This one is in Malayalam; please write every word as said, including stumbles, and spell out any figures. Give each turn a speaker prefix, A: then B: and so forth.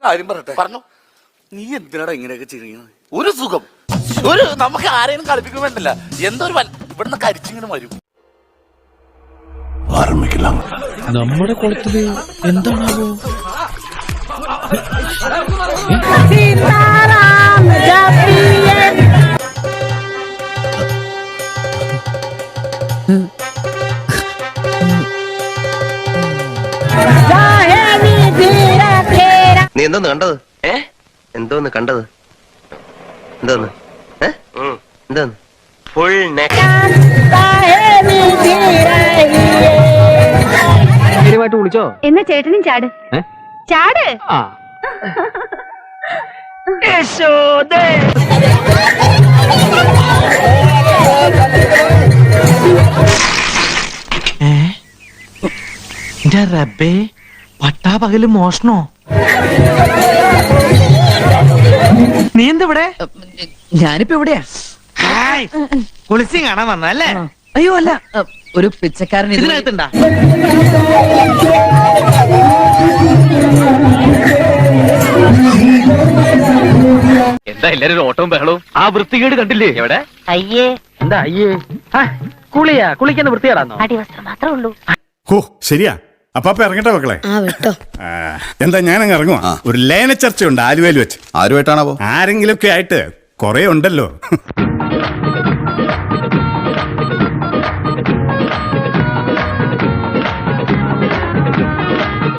A: കാര്യം പറയട്ടെ, പറഞ്ഞു. നീ എന്തിനാടാ ഇങ്ങനെയൊക്കെ ചെയ്യുന്നത്? ഒരു സുഖം, ഒരു നമുക്ക് ആരെയും കളിപ്പിക്കാൻ വേണ്ടല്ല. എന്തോ ഒരു ഇവിടുന്ന് കരിച്ചിങ്ങനെ വരും.
B: നമ്മുടെ കുളത്തില് എന്താണാവോ?
C: നീ എന്തോന്ന് കണ്ടത്? ഏ എന്തോന്ന് കണ്ടത്? എന്തോന്ന് എന്തോന്ന് ഫുൾ നെറ്റ് വിളിച്ചോ?
D: എന്നാ ചേട്ടനും ചാട് ചാട്.
E: റബ്ബേ, പട്ടാ പകല് മോഷണോ? നീ എന്തിവിടെ?
F: ഞാനിപ്പോ എവിടെയാ?
E: കുളിസി കാണാൻ വന്നല്ലേ?
F: അയ്യോ അല്ല, ഒരു പിച്ചക്കാരൻ
E: ഇതിനകത്തുണ്ടാ? എന്താ എല്ലാരും ഒരു ഓട്ടവും ബഹളവും? ആ വൃത്തികേട് കണ്ടില്ലേ? എവിടെ?
D: അയ്യേ,
E: എന്താ അയ്യേ? കുളിയാ? കുളിക്കുന്ന വൃത്തികേടാന്നോ?
D: അടിവസ്ത്രം മാത്രമേ ഉള്ളൂ.
G: ഓ ശരിയാ. അപ്പാപ്പ ഇറങ്ങട്ടെ മക്കളെ? എന്താ ഞാനങ്ങ് ഇറങ്ങുവാ. ഒരു ലയന ചർച്ചയുണ്ട് ആലുവയിൽ വെച്ച്.
H: ആരുമായിട്ടാണോ?
G: ആരെങ്കിലും ഒക്കെ ആയിട്ട് കൊറേ ഉണ്ടല്ലോ.